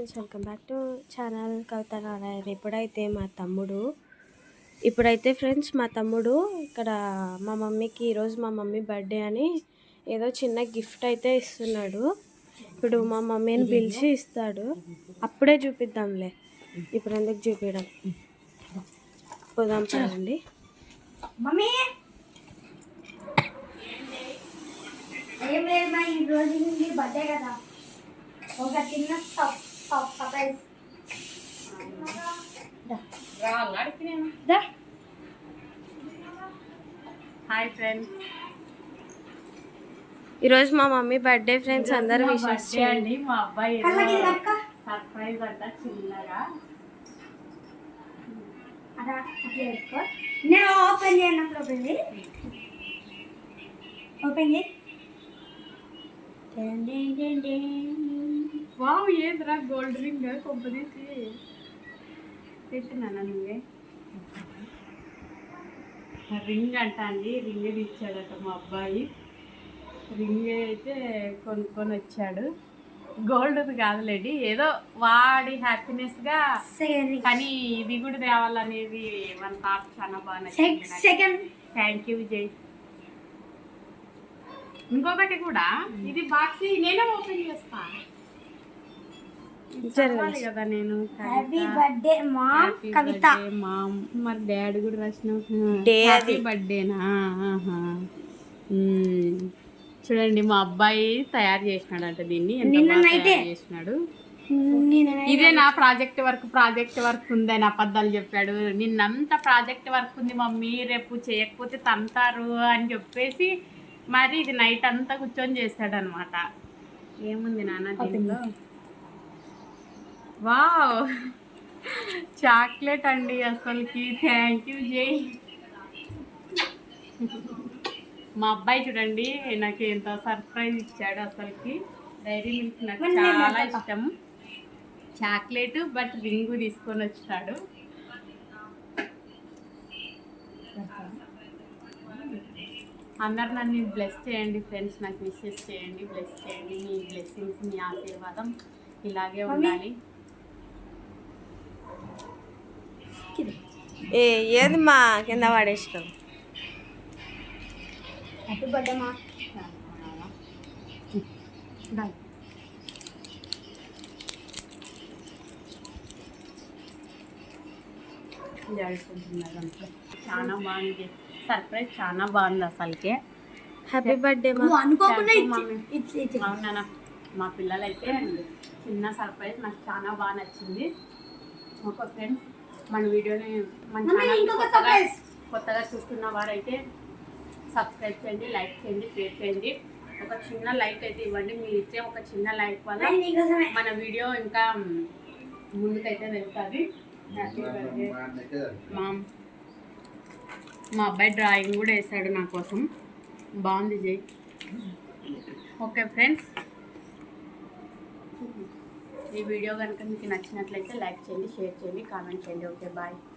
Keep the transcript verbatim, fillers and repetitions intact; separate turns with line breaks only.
Friends, welcome back to channel Kavitha Narayana. ఇప్పుడైతే మా తమ్ముడు ఇప్పుడైతే ఫ్రెండ్స్ మా తమ్ముడు ఇక్కడ మా మమ్మీకి ఈరోజు మా మమ్మీ బర్త్డే అని ఏదో చిన్న గిఫ్ట్ అయితే ఇస్తున్నాడు. ఇప్పుడు మా మమ్మీని పిలిచి ఇస్తాడు. అప్పుడే చూపిద్దాంలే, ఇప్పుడు ఎందుకు చూపించడం. పోదాం పదండి.
మమ్మీ ఏం లేదు మా ఈ రోజు నుండి బర్త్డే కదా, ఒక చిన్న సర్ప్రైజ్.
హాయ్ ఫ్రెండ్స్,
ఈరోజు మా మమ్మీ బర్త్డే ఫ్రెండ్స్, అందరూ విషెస్
చేయండి. మా అబ్బాయి సర్ప్రైజ్ అంట చిన్నగా.
అదా అట్లా పెట్టుకో, నేను ఓపెన్ చేయనప్పుడు ఓపెన్ చేయి ఓపెన్ చేయి
వావ్, ఏదిరా గోల్డ్ రింగ్ కొంపదీసి పెట్టినా నువ్వే. రింగ్ అంట అండి, రింగ్ ఇచ్చాడట మా అబ్బాయి. రింగ్ అయితే కొనుక్కొని వచ్చాడు. గోల్డ్ది కాదులేండి, ఏదో వాడి హ్యాపీనెస్గా. కానీ ఇది కూడా తేవాలనేది మన థాట్ చాలా బాగా నచ్చింది. Thank you Vijay. ఇంకొకటి కూడా, ఇది బాక్స్ నేనే ఓపెన్ చేస్తా కదా నేను.
హ్యాపీ బర్త్డే మా కవిత.
మామ్, మరి డాడీ కూడా రాసిన హ్యాపీ బర్త్డేనా. చూడండి మా అబ్బాయి తయారు చేసినాడంట దీన్ని, ఎంత బాగా తయారు చేసినాడు. ఇదే నా ప్రాజెక్ట్ వర్క్ ప్రాజెక్ట్ వర్క్ ఉందని అబద్ధాలు చెప్పాడు. నిన్నంతా ప్రాజెక్ట్ వర్క్ ఉంది మమ్మీ, రేపు చేయకపోతే తంతారు అని చెప్పేసి మరి ఇది నైట్ అంతా కూర్చొని చేస్తాడు అనమాట. ఏముంది నాన్న దీనిలో? వావ్, చాక్లెట్ అండి అసలుకి. థ్యాంక్ యూ జై. మా అబ్బాయి చూడండి నాకు ఎంత సర్ప్రైజ్ ఇచ్చాడు అసలుకి. డైరీ మిల్క్ నాకు చాలా ఇష్టం, చాక్లెట్ బట్ రింగు తీసుకొని వచ్చాడు. అందరు నన్ను బ్లెస్ చేయండి ఫ్రెండ్స్, నాకు విషెస్ చేయండి, బ్లెస్ చేయండి. మీ బ్లెస్సింగ్స్, మీ ఆశీర్వాదం ఇలాగే ఉండాలి.
ఏ ఏది మా కింద పడేసినాం.
హ్యాపీ బర్త్డే మా.
చాలా బాగుంది సర్ప్రైజ్, చాలా బాగుంది అసలుకే.
హ్యాపీ బర్త్డే
అవునా. మా పిల్లలు అయితే చిన్న సర్ప్రైజ్ నాకు చాలా బాగా నచ్చింది. ఒక ఫ్రెండ్స్, మన వీడియోని మన ఛానల్ కొత్తగా కొత్తగా చూస్తున్న వారైతే సబ్స్క్రైబ్ చేయండి, లైక్ చేయండి, షేర్ చేయండి. ఒక చిన్న లైక్ అయితే ఇవ్వండి. మీరు ఇచ్చే ఒక చిన్న లైక్ వల్ల మన వీడియో ఇంకా ముందుకైతే వెళ్తుంది. Happy birthday mom. మా అబ్బాయి డ్రాయింగ్ కూడా వేసాడు నా కోసం, బాగుంది జై. ఓకే ఫ్రెండ్స్, ఈ వీడియో కనుక మీకు నచ్చినట్లయితే లైక్ చేయండి, షేర్ చేయండి, కామెంట్ చేయండి. Okay bye.